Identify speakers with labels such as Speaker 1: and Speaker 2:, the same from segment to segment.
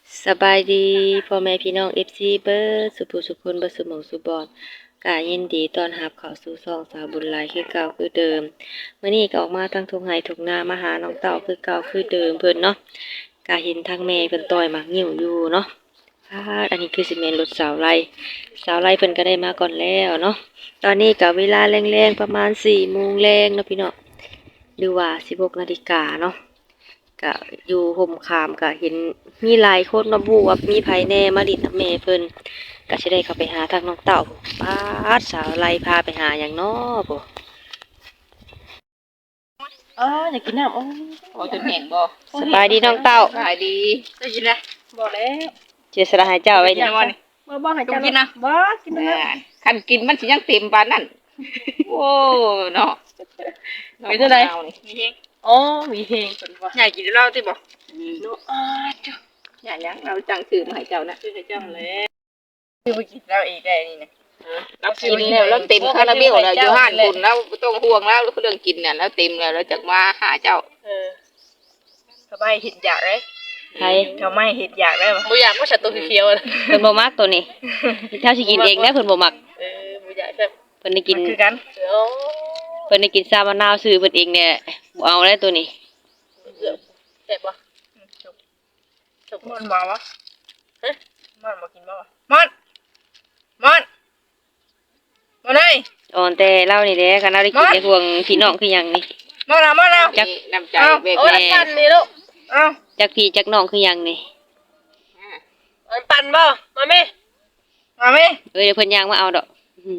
Speaker 1: สบายดีพ่อแม่พี่น้อง FC เบิร์ดสุภูสุคนเบิร์ดสุหมองสุบอนกายินดีต้อนรับเข้าสู่ช่องสาวบุญหลายคือเก่าคือเดิมมื้อนี้ก็ออกมาทั้งทุ่งไห้ทุ่งนามาหาน้องเต่าคือเก่าคือเดิมเพิ่นเนาะกาเห็นทางแม่เพิ่นต่อยหมากงิ้วอยู่เนาะอันนี้คือสิแม่นรถสาวไร่เพิ่นก็ได้มาก่อนแล้วเนาะตอนนี้ก็เวลาแรงๆประมาณ4 โมงแรงเนาะพี่น้องหรือว่า16 นาฬิกาเนาะ ก็อยู่ห่มคามก็เห็นมีหลายคนมาบูว่ามีไผแน่มาดิดน้ำแม่เพิ่นก็สิได้เข้าไปหาทางน้องเต่าป้าดสาวไล่พาไปหาหยังน้อบ่
Speaker 2: อยากกินน้ำ
Speaker 3: จนแห้งบ่
Speaker 1: สบายดีน้องเต่า
Speaker 3: ขายดีได้ยินนะ
Speaker 2: บอกแล้ว
Speaker 1: เจสระให้เจ้าไว้นี่
Speaker 2: บ่ให้กินนะบ่กินนะ
Speaker 3: คันกินมันสิยังเต็มปานนั้นโอ้เนาะ
Speaker 2: มีเท่าไหร่มีเพลงมีเพลงเพิ่นว่า
Speaker 3: อยากกินเหล้าติบ่
Speaker 2: เนาะจ้ะ
Speaker 3: อยากยังเราจังซื้อมาให้เจ้านะ
Speaker 2: คือให้เจ้าแล้วคือบ่กินแล้วอีกได้นี่นะ
Speaker 3: เรากินแล้วเราเต็มคาราเบลแล้วอยู่ห้านคุณแล้วบ่ต้องห่วงแล้วเรื่องกินเนี่ยแล้วเต็มแล้วเราจักมาหาเจ้า
Speaker 2: สบายเห็ดอยากเลย
Speaker 1: ไผ
Speaker 2: ทำไมเห็ดอยากได้บ่บ่อยากว่าฉันตัวเขียวๆ
Speaker 1: เพิ่นบ่มักตัวนี้เจ้าสิกินเองได้เพิ่นบ่มัก
Speaker 2: บ่อยากแซ่บ
Speaker 1: เพิ่นได้กิน
Speaker 2: คือกัน
Speaker 1: เพิ่นได้กินซามะนาวซื้อเพิ่นเองเนี่ยบ่เอาแล้วตัวนี้
Speaker 2: แซ่บบ่จบมันบ่วะฮะมันบ่กินบ่วะมันเลย
Speaker 1: อ่อนแต่เล่านี่แหละคันเราได้กินได้ห่วงพี่น้องคือหยังนี่
Speaker 2: มาแล้ว
Speaker 3: จักน้ำใจเบก
Speaker 2: เอา
Speaker 3: แม่
Speaker 2: ปั่นนี่ลูกเอา
Speaker 1: จักพี่จักน้องคือหยังนี่
Speaker 2: มันปั่นบ่มาแม่มาแม่
Speaker 1: เดี๋ยวเพิ่นย่างมาเอาดอก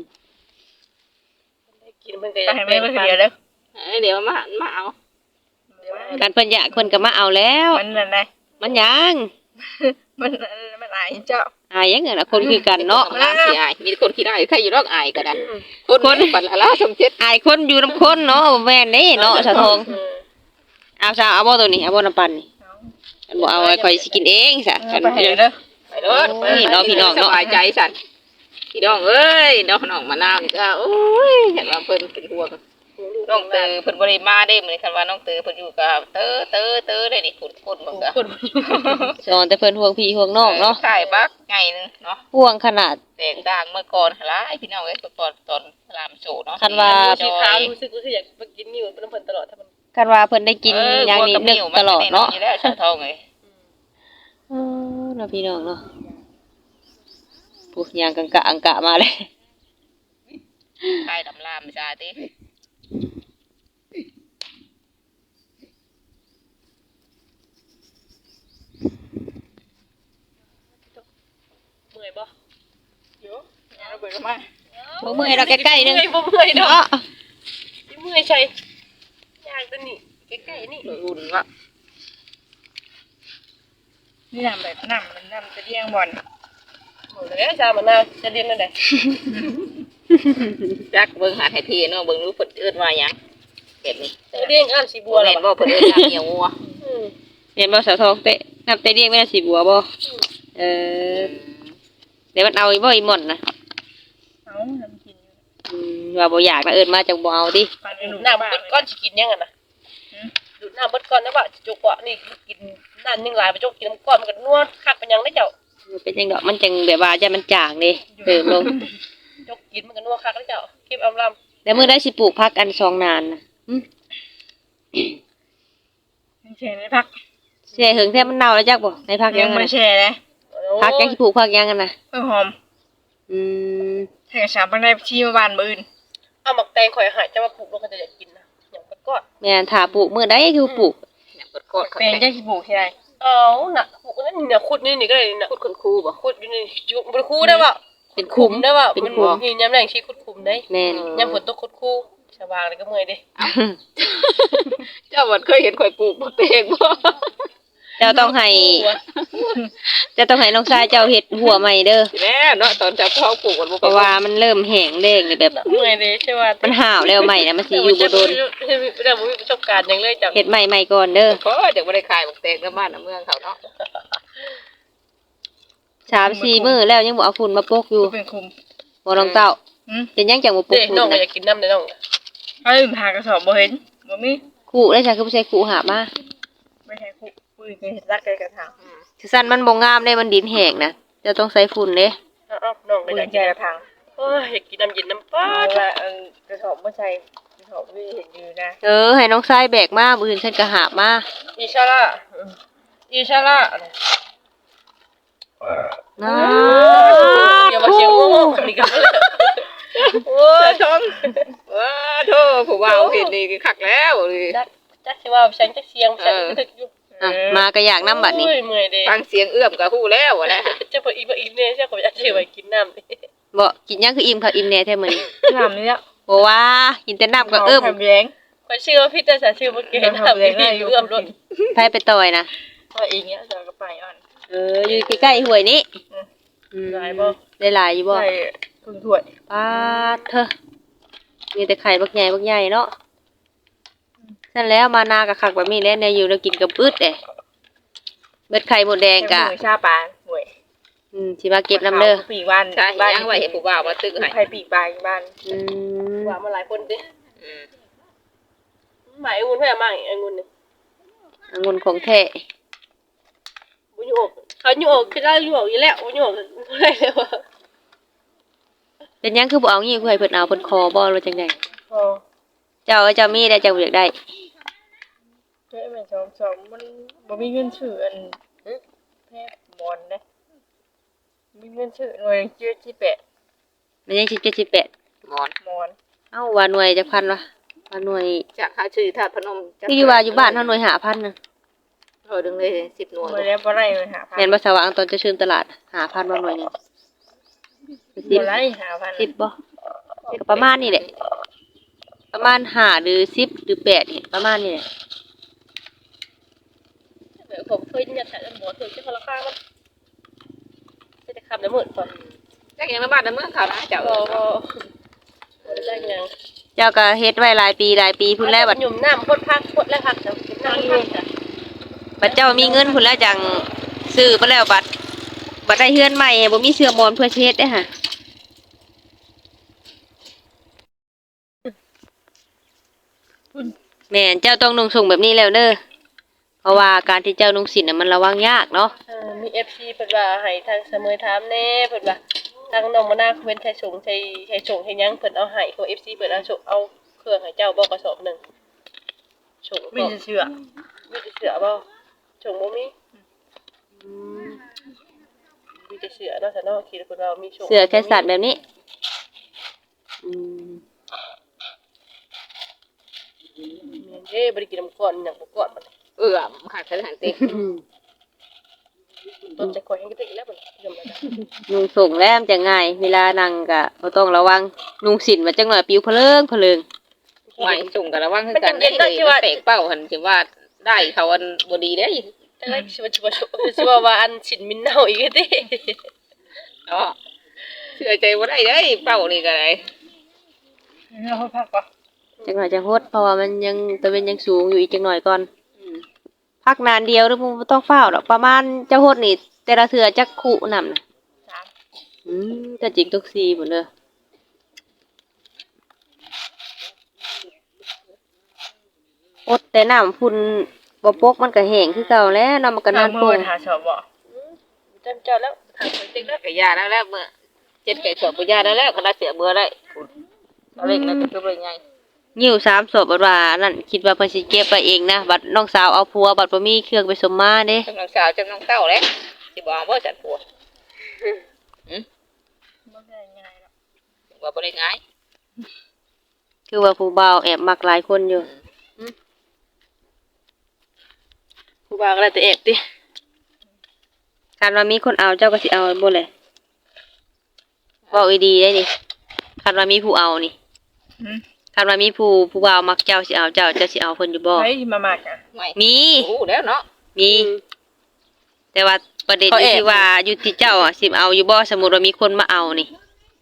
Speaker 2: กินเพิ่นก็ให้แม่เพิ่นเดียวเด้อ
Speaker 3: เดี๋ยวมาเอา
Speaker 1: การเพิ่นอยากเพิ่นก็มาเอาแล้ว
Speaker 2: มันนั่นไง
Speaker 1: มันหยัง
Speaker 2: มันอายเจ้า
Speaker 1: อายยังไงล่ะคนคือกันเนาะ
Speaker 3: น้ำสิอายมีคนขี้ได้ใครอยู่รอกอายก็ได้คนปัดละชมเจ็ด
Speaker 1: อายคนอยู่นํคนเนาะบ่แม่นเด้เนาะสะทองเอาซะเอาบ่ตัวนี้เอาบ่น้ำปั่นนี่อันบ่เอาไว้ข่อยสิกินเองซะกัน
Speaker 2: ไปเด้อ
Speaker 3: ไปรถสบายใจสันพี่น้องเอ้ยน้องมะนาวนี่ก็โอ้ยเห็นว่าเพิ่นเป็นห่วงน้องเตอเพิ่นบ่ได้มาได้มื้อนี้คันว่าน้องเตอเพิ่นอยู่กับเตอได้นี่พุ่นเบิ่งก็
Speaker 1: สอนแต่เพิ่นห่วงพี่ห่วงน้องเนาะ
Speaker 3: ใช่บักไงนึงเนาะ
Speaker 1: ห่วงขนาด
Speaker 3: แตกต่างเมื่อก่อนหลายพี่น้องเอ้ยตอนพระรามโชเนาะ
Speaker 1: คันว่า
Speaker 2: สีขาวรู้สึกว่าอยากไปกินนี่มันเพิ่นตลอดถ้ามัน
Speaker 1: คันว่าเพิ่นได้กินอย่างนี้นึกตลอดเนาะ
Speaker 3: อยู่แล้วชาวทองเอ้ย
Speaker 1: เนาะพี่น้องเนาะพวกยางกังกะอังกะมาเลย
Speaker 3: ใครดำลามจ้าติ
Speaker 2: เมื่อยบ่เดี๋ยวเอาเบิดมา
Speaker 1: บ่เมื่อยดอกใกล้ๆนึง
Speaker 2: บ่เมื่อยดอก
Speaker 1: เนาะ
Speaker 2: เมื่อยใช่ย่างตัวนี้ใกล้ๆนี่
Speaker 3: อุ่นวะ
Speaker 2: นี่น้ำแบบน้ำจะเลี้ยงบ่อนหมดเลยชามันน่าจะเลี้ยงนั่นแหละ
Speaker 3: จักเบิ่งหาให้พี่เนาะเบิ่งรู้เพิ่นเอิ้นว่าหยังแบบนี้
Speaker 2: เลี้ยงอ้ามสีบัว
Speaker 3: แม่
Speaker 2: แล้ว
Speaker 3: นบ่เพิ่นเอิ้นเหี่ยวงัว
Speaker 1: เห็นบ่สาวทองเตะนับเตะเรียกแม่สิบัวบ่เออเดี๋ยวมันเอาอีบ่อีหม่อนน่ะ
Speaker 2: เอาทำกินอยู่
Speaker 1: ว่าบ่อยากนะเอิ้นมาจังบ่เอาติ
Speaker 2: ดูดน้ำเบิดก้อนสิกินยังไงนะดูดน้ำเบิดก้อนนะว่าจุกเกาะนี่กินน้ำยังหลายไปจุกกินน้ำก้อนมันก็นัวคักเป็นยังได้เจ้า
Speaker 1: เป็นจังดอกมันจังแบบว่าจะมันจางเด้เติมลง
Speaker 2: จุกกินมันก็นัวคักได้เจ้าเก็บอำลำ
Speaker 1: แล้วมื้อได้สิปลูกผักอันซองนานน่ะ
Speaker 2: แช่ในพัก
Speaker 1: แช่หึงแท้มันเน่าแล้วจักบ่ในผักยัง
Speaker 2: ไม่
Speaker 1: น่ะ
Speaker 2: แช่เลย
Speaker 1: ผักยังสิปลูกผักยังกันน่ะ
Speaker 2: เพิ่งหอม
Speaker 1: อืม
Speaker 2: แช่สามปันได้ชีมาบานมืออื่นเอาหมักแตงข่อยหายจะมาปลูกแล้วก็จะอยากกินนะอย่างเบิดก้อน
Speaker 1: แม่นถ้าปลูกมื้อใดคือปลูก
Speaker 3: เนี่ยเปิดกอด
Speaker 2: แตงจะขี้ปลูกที่ไหนเอาน่ะปลูกนั่นนี่ขุดนี่ก็ได้น่ะ
Speaker 3: พูดคุณครูบ่
Speaker 2: ขุดอยู่นี่อยู่บนคูได้ป่ะ
Speaker 1: เป็นคุ้ม
Speaker 2: ได้ป่ะ
Speaker 1: เป็น
Speaker 2: มัน
Speaker 1: คุ้ม
Speaker 2: มีย้ำแรงชีขุดคุมได้
Speaker 1: แม่น
Speaker 2: ย้ำฝนตกขุดคู่ชาวบ้านเลยก็เมื่อยดิ
Speaker 3: เจ้าบ่เคยเห็นข่อยปลูกบักแตงบ่
Speaker 1: เจ้าต้องให้น้องชายเจ้าเฮ็ดหัวใหม่เด้อ
Speaker 3: แม่เนาะตอนเจ้าพ่อปลูกมันบ่
Speaker 1: เพราะว่ามันเริ่มแห้งแล้งเลยแบบ
Speaker 2: เมื่อยดิใช่ป่ะ
Speaker 1: มันห่าวแล้วใหม่นะมันสิอยู่บ่โดน
Speaker 2: แต่ผมมีประสบการณ์อย่างเลยจัง
Speaker 1: เฮ็ดใหม่ๆก่อนเด้อ
Speaker 3: เพราะจังบ่ได้ขายบักแตงกับบ้านน่ะเมืองเขาเนาะ
Speaker 1: 3-4 มื้อแล้วยังบ่เอาฝุ่นมาปกอยู่
Speaker 2: เป็นคุม
Speaker 1: บ่น้องเต้าเป็นหยังจังบ่ปก
Speaker 2: เด็ก
Speaker 1: ฝุ่น
Speaker 2: น้องก็
Speaker 1: นะ
Speaker 2: อยากกินน้ำเลยน้องเอ้ยหากระสอบบ่เห็นบ่มี
Speaker 1: คู่ได้จ้ะคือบ่ใช่คู่หาบมา
Speaker 2: ไม่ใช่คุปุ้ยเคยรักกันกระถาง
Speaker 1: คือสั้นมันบ่งามเด้มันดินแห้งนะเจะต้องใส่ฝุ่นเด้
Speaker 2: น้องไปได้กระถาง
Speaker 4: โอ้ยอยากกินน้ำเย็นน้ำป้า
Speaker 2: เพ
Speaker 4: ด
Speaker 2: ราะว่ากระถางไม่ใช่กระถางไม่เห็นอยู่นะ
Speaker 1: ให้น้องชายแบกมามื้ออื่นฉันก็หาบมา
Speaker 2: อิชาร่าอิชาร่า
Speaker 1: นะ
Speaker 4: อย่ามาเชียงโง่ๆนี่กันเลย
Speaker 3: โอ้ยชมว้าโธ่ผู้บ่าวเห็นนี่คักแล้วเลย
Speaker 4: จักสิว่าฉันจักเสียงฉันถึกอยู่
Speaker 1: อ่ะมาก็อยากน้ำบัดนี้
Speaker 4: โอ้ยเมื่อยเด้
Speaker 3: ฟังเสียงเอื้อมก็ฮู้แล้วแหละ
Speaker 4: จะบ่อีกเนี่ยใช่ก็อยากสิไว้กินน้ำนี่
Speaker 1: บ่กินหยังคืออิ่มค่ะอิ่มแน่แท้มื้อนี้
Speaker 2: น้ำนี่
Speaker 1: บ่ว่ากินแต่น้ำก็เอิ้ม
Speaker 2: ทำแย้ง
Speaker 4: ข่อยชื่อว่าพี่แต่ชื่อบ่เก่งน้ำนี่เอื้อมรถ
Speaker 1: ไผไปต่อยนะ
Speaker 2: ตัวเองเนี้ยจะก็ไปอ่อน
Speaker 1: อยู่ใกล้ๆห้วยนี้อืม
Speaker 4: หลายบ่
Speaker 1: ได้หลายอยู่บ่
Speaker 2: ใส่พึ่งถ้วย
Speaker 1: ปาดเถอะมีแต่ไข่บักใหญ่บักใหญ่เนาะนั่นแล้วมานากับคักแบบนี้แล้วเนี่ยอยู่แล้วกินกับอึดเด้เบ็ดไข่หมดแดงกะ
Speaker 2: มือชาปลาหวย
Speaker 1: สิมาเก็บน้ำเด้อ
Speaker 2: ปีวัน
Speaker 3: ใช่ยังไว้ให้ผู้บ่าวมาตึกให้
Speaker 2: ใครปีกปลาบ้าน
Speaker 1: อืม
Speaker 4: ว่ามาหลายคนดิ
Speaker 3: อืม
Speaker 4: หมายองุ่นแพ้มากองุ่นนี่
Speaker 1: องุ่นของแท้
Speaker 4: บ่อยู่อกเขาอยู่อกคือได้อยู่อกอยู่แล้วบ่อยู่อกอะไรเลยว่ะ
Speaker 1: เป็นหยังคือบ่เอางี้คือให้เพิ่นเอาเพิ่นคอบ่หรือจังได๋
Speaker 2: พอ
Speaker 1: เจ้ามีได้เจ้าบ่อยากได้
Speaker 2: เฮ้ยมันสองมันบ่มีเงินซื้ออันแพทย์มอนนะมีเงินซื้อหน่วยเจื้อที่แปะ
Speaker 1: มันยัง17
Speaker 3: หมอน
Speaker 2: มอน
Speaker 1: เอ้าว่าหน่วยจักพันวะว่าหน่วย
Speaker 3: จากหาชื่อธาตุพนม
Speaker 1: คืออยู่ว่าอยู่บ้านเฮาหน่วย5,000นึง
Speaker 3: ดึงเลย10หน่วย
Speaker 2: มาแล้วบ่ได้เลยหาพัน
Speaker 1: แม่นบ่สว่างตอนจะชื่นตลาด5,000บ่หน่วยหนึง
Speaker 2: บ่ได้หาพัน
Speaker 1: 10บ่ก็ประมาณนี้แหละประมาณ5หรือ10หรือ8นี่ประมาณนี้แหละ
Speaker 4: แบบผมเคยเนี่ยแต่บ่เคยจะราคามันจะได้คำละหมื่นก่อน
Speaker 3: จักยังในบ้านในเมืองเขานะเจ้า
Speaker 4: บ่ได้ยัง
Speaker 1: เจ้าก็เฮ็ดไว้หลายปีพุ่นแล้วบัด
Speaker 4: หยุ่มน้ำพดพักพดแล้วพักแต่น้ำพักจ้ะ
Speaker 1: บัดเจ้ามีเงินพุ่นแล้วจังซื้อมาแล้วบัดได้เฮือนใหม่บ่มีเสื้อมอนเพื่อสิเฮ็ดเด้อค่ะแม่นเจ้าต้องนุ่งส่งแบบนี้แล้วเด้อเพราะว่าการที่เจ้านุ่งสินน่ะมันระวังยากเนาะ
Speaker 4: มี FC เพิ่นว่าให้ทางเสมอถามแน่เพิ่นว่าทางน้องมะนาวเพิ่นใช้ส่งใช้ให้ยังเพิ่นเอาให้ของ FC เพิ่นเอาส่งเอาเครื่องให้เจ้าบ่กระสอบหนึงส่ง
Speaker 2: มี
Speaker 4: บ่
Speaker 2: แต่เชื่อ
Speaker 4: มีแต่เสือบ่ส่งบ่มีมีแต่เสือเนาะแต่เนาะคิดเพิ่นว่ามีส่ง
Speaker 1: เสื้อแค่สัตว์แบบนี้อืม
Speaker 4: เด้บ่ได้กินน้ำก้อนหยังบ่ก้อนมัน
Speaker 3: เอื้อมขาดสถานติ
Speaker 4: ต้นแต่ก่อนยังก็ได้อีกแล้วมันยอมแล้วจ้ะ
Speaker 1: นุ่งส่งแล้วมันจะง่ายเวลานั่งก็บ่ต้องระวังนุ่งสินมันจังหน่อยปิวเพลิง
Speaker 3: ไม่ส่งกันระวังคือกันได้เลยมันแตกเป้าหันสิว่าได้เขาอันบ่ดีได้
Speaker 4: แต่ละสิว่าอันสินมินเน่าอีกเด้
Speaker 3: เนาะเชื่อใจบ่ได้เด้เป้านี่ก็ได้
Speaker 2: เราพักปะ
Speaker 1: จังหน่อยจะฮดเพราะว่ามันยังตะเวนยังสูงอยู่อีกจังหน่อยก่อนพักนานเดียวหรือบ่ต้องเฝ้าดอกประมาณเจ้าฮดนี่แต่ละเทื่อจักคู่นำน่ะ
Speaker 2: 3
Speaker 1: แต่จริงทุกซีหมดเลยอดแต่น้ำพุ่นบ่ปกมันก็แห้งคือเก่าแล้วน้ำมันก็นาน
Speaker 2: เมื่
Speaker 1: โป่
Speaker 2: อง หาชอบบ่
Speaker 4: จำเจ้าแล้วทางเพิ่นติ๊กแล้ว
Speaker 3: ก็ยาแล้วเมื่อ7ไก่สอบบ่ยาแล้วก็ได้เสียเบื่อได้เอาเล็กแล้วก็คือบ่ใหญ่
Speaker 1: ยิ้ว3ศพบัดว่านั่นคิดว่าเพิ่นสิเก็บไปเองนะบัดน้องสาวเอาผัวบัดบ่มีเครื่องไปสมมาเด้
Speaker 3: จำน้องสาวจำน้องเต้าแล้วสิบ่เอาบ่จัดผัว
Speaker 2: บ่ได้ง่ายหรอก
Speaker 3: ว่าบ่ได้ง่าย
Speaker 1: คือว่าผู้บ่าวแอบมักหลายคนอยู่
Speaker 4: ผู้บ่าวก็ได้แต่แอบติ
Speaker 1: คันว่ามีคนเอาเจ้าก็สิเอาบ่แหละเว้าอีดีได้นี่คันว่ามีผู้เอานี่คันว่ามีผู้บ่าวมักเจ้าสิเอาเจ้าสิเอาเพิ่นอยู่บ่
Speaker 2: เฮ้ยมามากอ่ะ
Speaker 3: ไม่
Speaker 1: มี
Speaker 3: รู้แล้วเนาะ
Speaker 1: มี แต่ว่าประเด็นอยู่ที่ว่าอยู่ที่เจ้าอ่ะสิเอาอยู่บ่สมมุติว่ามีคนมาเอานี่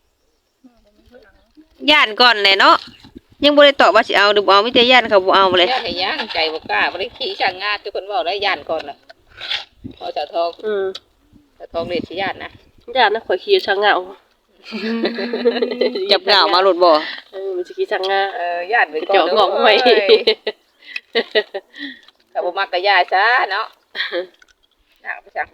Speaker 1: ย่านก่อนแหละเนาะยังบ่ได้ตอบว่าสิเอาหรือบ่เอามีแต่ย่านเขาบ่เอาเลย
Speaker 3: ย่านให้ย่างใจบ่กล้าบ่ได้ขี้ช่างงาทุกคนเว้าได้ย่านก่อนน่ะพอเจ้าทองเจ้าทองเรียกสิย่านนะ
Speaker 4: ญาตินะข่อยขี่ช้างเหงา
Speaker 1: จับเหงามาหลุดบ่
Speaker 4: มันสิขี่ช้างงา
Speaker 3: ย่านไปก่อน
Speaker 4: เจาะงอกไว้
Speaker 3: ถ้าบ่มักก็ย่าซะเนาะอยากไปจัง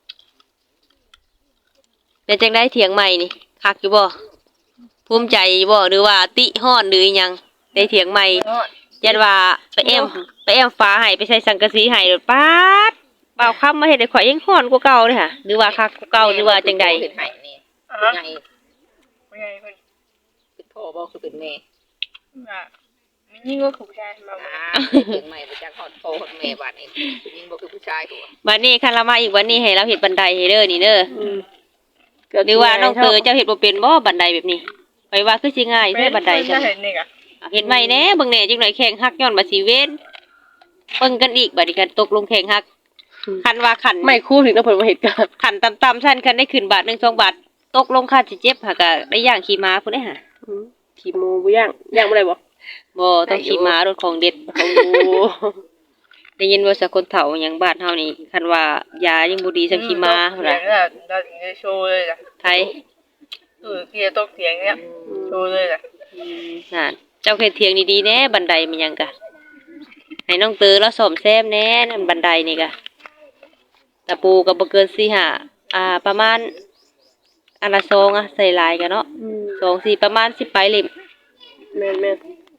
Speaker 1: เป็นจังได้เถียงใหม่นี่คักอยู่บ่ภูมิใจบ่หรือว่าติฮ้อนหรืออิหยังได้เถียงใหม่ยันว่าไปแอมฟ้าให้ไปใส่สังกะสีให้โดดป๊าดเบาคำมาเฮ็ดให้ข่อยยังฮ้อนกว่าเก่าเด้อค่ะหรือว่าคักกว่าเก่าหรือว่าจังใด
Speaker 3: เห็นไห้นี่
Speaker 2: อ่ะ
Speaker 3: ใหญ่
Speaker 2: เป็นไงเพิ่น
Speaker 3: เป็นพ่อบ่คือเป็นแม่
Speaker 2: อ่ะมียิ่งกว่าผู้ชายมา
Speaker 3: เถียงใหม่ไปจากฮอดพ่อฮอดแม่บาดนี้ยิ่งบ่คือผู้ชายตัว
Speaker 1: บัดนี้คันละมาอีกวันนี้ให้เราเฮ็ดบันไดให้เด้อนี่เด้อหรือว่าน้องเตอเจ้าเฮ็ดบ่เป็นบ่บันไดแบบนี้ข่อยว่าคือสิง่ายแท้บันได
Speaker 2: จ้ะ
Speaker 1: จ้ะ
Speaker 2: เห็นนี่กะ
Speaker 1: เฮ็ดใหม่แหน่เบิ่งแหน่จังหน่อยแข่งฮักย้อนบ่สิเว้นเบิ่งกันอีกบัดนี้กันตกลงแข่งฮักคันว่าขัน
Speaker 4: ไม่คู่ถึงต้องเพิ่นมาเฮ็ดกัน
Speaker 1: ขันต่ำๆซั่นคันได้ขึ้นบาท1 2 บาทตกลงค่าสิเจ็บหาก็ได้ย่างขี่ม้าพุ่นได้หา
Speaker 4: ขี่หมูบ่ย่างบ่ได้บ่
Speaker 1: บ่ต้องขี่ม้ารถของเด็ด
Speaker 4: โอ้
Speaker 1: ได้ยินว่าสักคนเฒ่าหยังบ้านเฮานี่คันว่ายายังบ่ดีสำขี่ม้าพุ่น
Speaker 2: เถีย
Speaker 1: น่ะ
Speaker 2: งเนี่ยเราถึงจะโชว์เลยจ้ะ
Speaker 1: ไทย
Speaker 2: เกียร์ตกเถียงเนี่ยโชว์เลยจ้ะ
Speaker 1: นั่นเจ้าเฮ็ดเถียงดีๆแหน่บันไดมันหยังกะให้น้องเตอแล้วซ่อมแซมแหน่นั่นบันไดนี่กะตะปูก็บ่เกิน4 5ประมาณอันละซองใส่หลายกันเนาะ2 4ประมาณ10ปลายเล่ม
Speaker 4: แม่น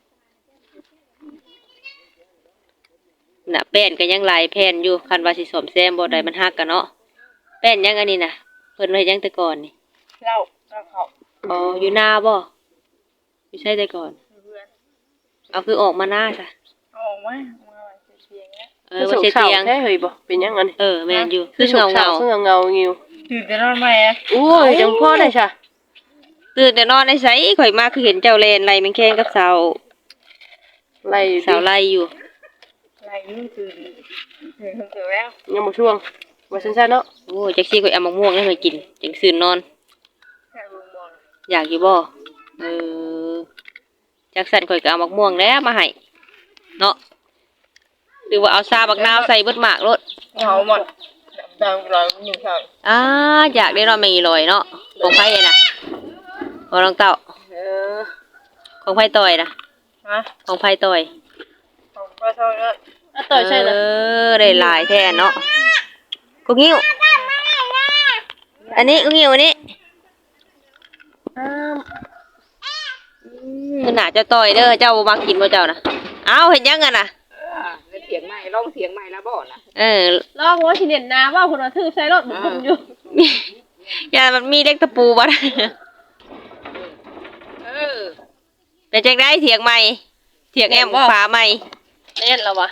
Speaker 1: น่ะแป้นก็ยังหลายแผ่นอยู่คันว่าสิซ่อมแซมบ่ได้มันฮักกันเนาะแป้นยังอันนี้น่ะเพิ่นไว้ยังแต่ก่อนนี่
Speaker 2: เล่าเขา
Speaker 1: อ๋ออยู่นาบ่อยู่ใช่แต่ก่อน
Speaker 2: เพื่อน
Speaker 1: เอาคือออกมาหน้าซะ
Speaker 2: เอาออกมาเถียงเนี่ย
Speaker 1: ว่าสิเตียง
Speaker 4: แท้เฮ้ยบ่เป็นหยังอันนี้
Speaker 1: แม่นอยู่คือ
Speaker 4: เงา
Speaker 1: เงา
Speaker 4: ซึ่งเงางิว
Speaker 2: ตื่นแต่นอนใหม่อะ
Speaker 4: โอ้ยจังพ่อได้ซะ
Speaker 1: ๆตื่นแต่นอนในไสข่อยมาคือเห็นเจ้าแลนไล่แมงแข้งกับสาว
Speaker 4: ไล่อยู่
Speaker 1: สาวไล่อยู่
Speaker 2: อะไรนี่ตื่นคนเกิดแล้ว
Speaker 4: ยังบ่ช่วงว่าซั่นๆเนาะ
Speaker 1: โอ้จักซี่ข่อยเอามะม่วงให้ข่อยกินจังซื่นนอน
Speaker 2: แค่ลุงบอล
Speaker 1: อยากอยู่บ่เออจักสั่นข่อยก็เอามะม่วงแล้วมาให้เนาะหรือว่าเอาซาบักนาวใส่เบิดหมากโลด
Speaker 2: เขาหมดดำร้อยหนึ่งสอง
Speaker 1: อยากได้นอนแมงอีลอยเนาะของไผน่ะบ่น้องเต้า
Speaker 4: เออ
Speaker 1: ของไผต่อยน่ะ
Speaker 2: ฮะ
Speaker 1: ของไผต่อย
Speaker 2: ผมก็เท่านั้น
Speaker 4: ต่อยใช่นะ
Speaker 1: ได้หลายแท้เนาะกูงิ้วอันนี้กูงิ้วอันนี้คือหน้าเจ้าต่อยเด้อเจ้าบ่มักกินบ่เจ้าน่ะเอาเฮ็ดหยังกันน่ะ
Speaker 3: ในเถียงใหม่ลองเถียงใหม่แล้วบ่น่ะ
Speaker 4: ลองว่าสิเน้นนาว่าเพิ่นว่าถือใส่รถบุ่มอยู่
Speaker 1: อย่ามันมีเล็กตะปูบ่ได้
Speaker 3: เออ
Speaker 1: เป็นจังได๋เถียงใหม่เถียงแอมฝาใหม่
Speaker 4: แน่นแล้ววะ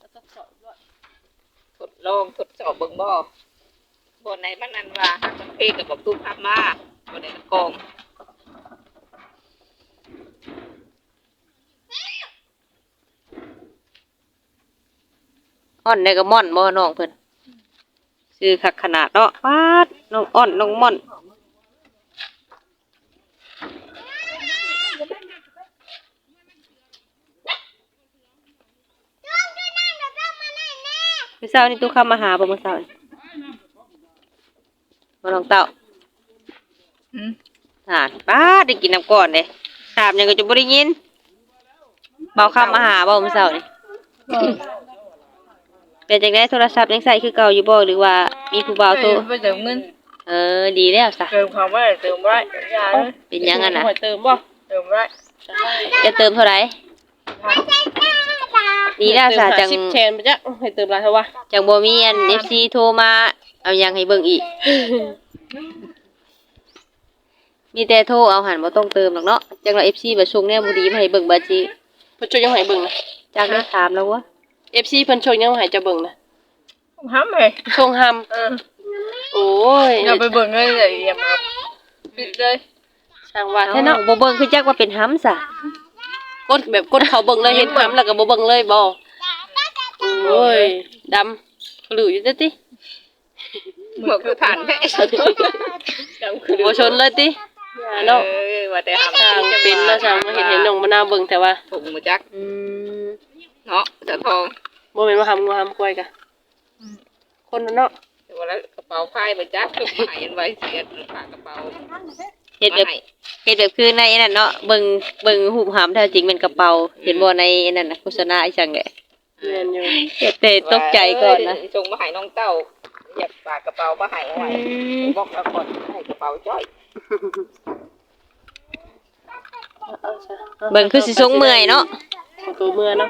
Speaker 3: ทดลองทดสอบเบิ่งบ่บ่ไหนมันนั่นว่าหักมันเพกับบอกตุ้มทับมาบ่ได้มันกอง
Speaker 1: อ่อนได้ก็ม่อนบ่น้องเพิ่นชื่อคักขนาดเนาะปาดน้องอ่อนน้องม่อนมื้อเช้านี่ตู้เข้ามาหาบ่มื้อเช้านี่บ่น้องเต้าป้าดได้กินน้ำก่อนเด้ถามหยังก็จะบ่ได้ยินเบาคำมาหาบ่มื้อเช้านี่เป็นจังได๋โทรศัพท์ยังใช้คือเก่าอยู่บ่หรือว่ามีผู้บ่าวโทร
Speaker 2: ไปเติมเงิน
Speaker 1: ดีแล้วซะ
Speaker 2: เติมความว่าเติมได้ยาเลย
Speaker 1: เป็นหยังอะน่ะ
Speaker 4: หอยเติมบ่
Speaker 2: เติมได้
Speaker 1: จะเติมเท่าไหร่ดีแล้วซะจัง
Speaker 4: 10แชนไปจ้ะให้เติมหลายเท่าวะ
Speaker 1: จังบ่มีอัน FC โทรมาเอาหยังให้เบิ่งอีก มีแต่โทรเอาหันบ่ต้องเติมหรอกเนาะจังว่า FC บ่ส่งแนวบ่ดีมาให้เบิ่งบัดสิ
Speaker 4: เพิ่นช่วยยังให้เบิ่งนะ
Speaker 1: จักได้ถามแล้ววะ
Speaker 4: FC เพิ่นช่วยยังให้เจะเบิ่งนะ
Speaker 2: ห้ามเลย
Speaker 4: ส่งหโอ้ย
Speaker 2: อย่าไปเบิ่งเลยอย่ามาปิดเลย
Speaker 4: ช่างว่า
Speaker 1: แท้
Speaker 4: แท้
Speaker 1: เนาะ
Speaker 4: เนาะ
Speaker 1: บ่เบิ่งคือจักว่าเป็นหำซะ
Speaker 4: กดแบบกดเขาเบิ่งเลยเห็นหำแล้วก็บ่เบิ่งเลยบ่โอ้ยดำหลืออยู่เด้อติ
Speaker 3: เหมือนคือฐานแท้
Speaker 4: บ่ชนเลยติเนาะ
Speaker 3: ว่าแต่หา
Speaker 4: ช่างเป็นเนาะช่างมาเห็นน้องมะนาวเบิ่งแต่ว่า
Speaker 3: ถุงมาจัก
Speaker 1: ม
Speaker 3: เนาะจะทอง
Speaker 4: บ่แม่นว่าหำงูหำควายกะคนเนาะ
Speaker 3: แต่ว่าแล้วกระเป๋าพายมาจักคือหายอันไว้เสียฝากกระเป๋า
Speaker 1: เฮ็ดแบบคือในนั่นเนาะเบิ่งรูปหำแท้จริงเป็นกระเป๋าเห็นบ่ในนั่นน่ะโฆษณาอีจังแหละ
Speaker 4: แม่นอยู่
Speaker 1: แต่ตกใจก่อนนะ
Speaker 3: ส่งมาให้น้องเต้าอยากฝากกระเป๋ามาให้เอาไว้บอกแล้วก่อนให้กระเป๋าจ้อย
Speaker 4: เอาซะ
Speaker 1: เบิ่งคือสิสงเมื่อยเนาะ
Speaker 4: ตัวเมื่อเนาะ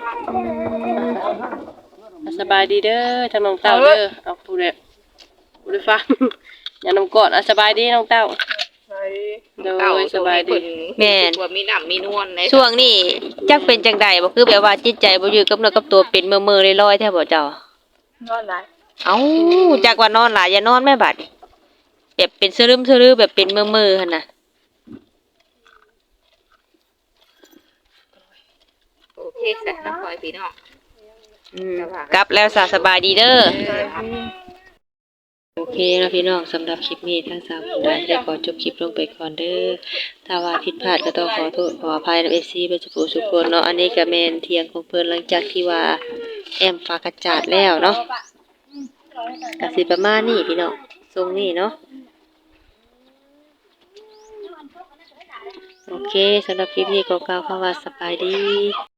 Speaker 4: สบายดีเด้อทางน้องเต้าเด้อเอาผู้ใดผู้ใดฟังอย่านำกอดสบายดีน้องเต้า
Speaker 2: ไป
Speaker 4: โด
Speaker 3: เต้าย
Speaker 4: สบายดี
Speaker 1: แม่น
Speaker 3: ตัวมีน้ำมีนวลใน
Speaker 1: ช่วงนี้จักเป็นจังใดบ่คือแบบว่าจิตใจบ่อยู่กับเนื้อกับตัวเป็นเมื่อๆลอยๆแท้บ่เจ้าน
Speaker 2: อนหลาย
Speaker 1: เอ้าจักว่านอนหลายอย่านอนแม่บัดนี้แบบเป็นสลึมสลือแบบเป็นเมื่อๆหั่นน่ะ
Speaker 3: โอเคสะน้องพลอยพี่น้อง
Speaker 1: กลับแล้วสบายดีเด้อโอเคนะพี่น้องสำหรับคลิปนี้ทั้ง3คนได้ขอจบคลิปลงไปก่อนเด้อถ้าว่าผิดพลาดก็ต้องขอโทษขออภัยนำ FC เบ่จุปุสุกคนเนาะอันนี้ก็แม่นเที่ยงของเพิ่นหลังจากที่ว่าแอมฝากกระจาดแล้วเนาะก็สิประมาณนี้พี่น้องทรงนี้เนาะโอเคสำหรับคลิปนี้ก็กล่าวคำว่าสบายดี